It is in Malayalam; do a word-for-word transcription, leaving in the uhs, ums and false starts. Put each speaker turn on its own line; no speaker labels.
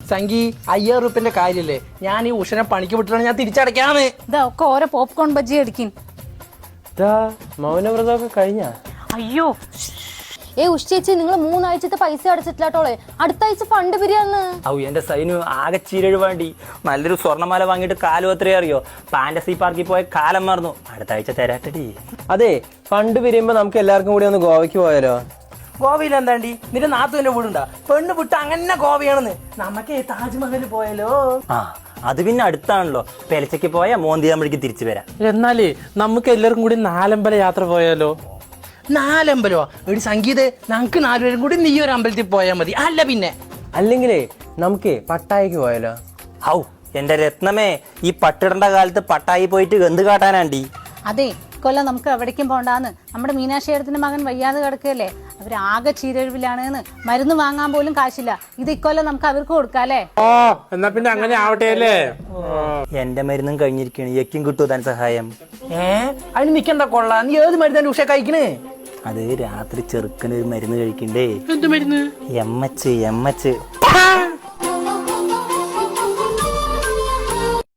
സംഗി അയ്യായിരം റുപ്യന്റെ കാര്യല്ലേ, ഞാൻ ഈ ഉഷനെ പണിക്ക് വിട്ടിട്ടാണ് ഞാൻ തിരിച്ചടയ്ക്കാന്ന്.
ഇതാ ഒക്കെ ഓരോ പോപ്കോൺ ബജ്ജി അടിക്കും.
മൗനവ്രതമൊക്കെ കഴിഞ്ഞ?
അയ്യോ
ഏ ഉഷ ചേച്ചി, നിങ്ങൾ മൂന്നാഴ്ചത്തെ പൈസ അടച്ചിട്ടില്ലാട്ടോളെ, അടുത്ത ആഴ്ച ഫണ്ട് പിരിയാന്ന്.
ഔ എന്റെ സൈനു ആകെ ചീരഴ് വേണ്ടി നല്ലൊരു സ്വർണ്ണമാല വാങ്ങിയിട്ട് കാലം എത്രയോ അറിയോ? ഫാന്റസി പാർക്കിൽ പോയ കാലം മറന്നു. അടുത്ത ആഴ്ച തരാട്ടടി.
അതെ, ഫണ്ട് പിരിയുമ്പോ നമുക്ക് എല്ലാവർക്കും കൂടി ഒന്ന് ഗോവയ്ക്ക് പോയാലോ?
ഗോവയിൽ എന്താണ്ടി നിന്റെ നാത്തുവിന്റെ വീടുണ്ടാ? പെണ്ണ് വിട്ട് അങ്ങനെ ഗോവയാണെന്ന്. നമുക്ക് താജ്മഹൽ പോയാലോ?
ആ അത് പിന്നെ അടുത്താണല്ലോ, പെലച്ചയ്ക്ക് പോയാൽ മോന്തിയാമ്പഴിക്ക് തിരിച്ചു വരാം.
എന്നാലേ നമുക്ക് എല്ലാവർക്കും കൂടി നാലമ്പല യാത്ര പോയാലോ?
നാലമ്പലോ? ഒരു സംഗീത നമുക്ക് നാലുപേരും കൂടി നീ ഒരു അമ്പലത്തിൽ പോയാൽ മതി. അല്ല പിന്നെ
അല്ലെങ്കിലേ നമുക്ക് പട്ടായക്ക് പോയാലോ?
ഔ എന്റെ രത്നമേ, ഈ പട്ടിടണ്ട കാലത്ത് പട്ടായി പോയിട്ട് എന്ത് കാട്ടാനാണ്ടി?
അതെ, ഇക്കൊല്ലം നമുക്ക് എവിടേക്കും പോണ്ടാന്ന്. നമ്മുടെ മീനാക്ഷേരത്തിന്റെ മകൻ വയ്യാതെ കിടക്കുകയല്ലേ, അവർ ആകെ ചീരഴിവിലാണ്. മരുന്ന് വാങ്ങാൻ പോലും കാശില്ല. ഇത് ഇക്കൊല്ലം നമുക്ക് അവർക്ക് കൊടുക്കാല്ലേ?
ഓ എന്നാ പിന്നെ അങ്ങനെ ആവട്ടെ അല്ലേ?
എന്റെ മരുന്നും കഴിഞ്ഞിരിക്കണ്, എക്കും കിട്ടൂ താൻ സഹായം.
ഏ അതിന് നിക്കണ്ട കൊള്ള. നീ ഏത് മരുന്നാണ് ഉഷ കഴിക്കണേ?
അത് രാത്രി ചെറുക്കന് ഒരു മരുന്ന് കഴിക്കണ്ടേ?
എന്ത് മരുന്ന്?
എമ്മച്ച് എമ്മച്ച്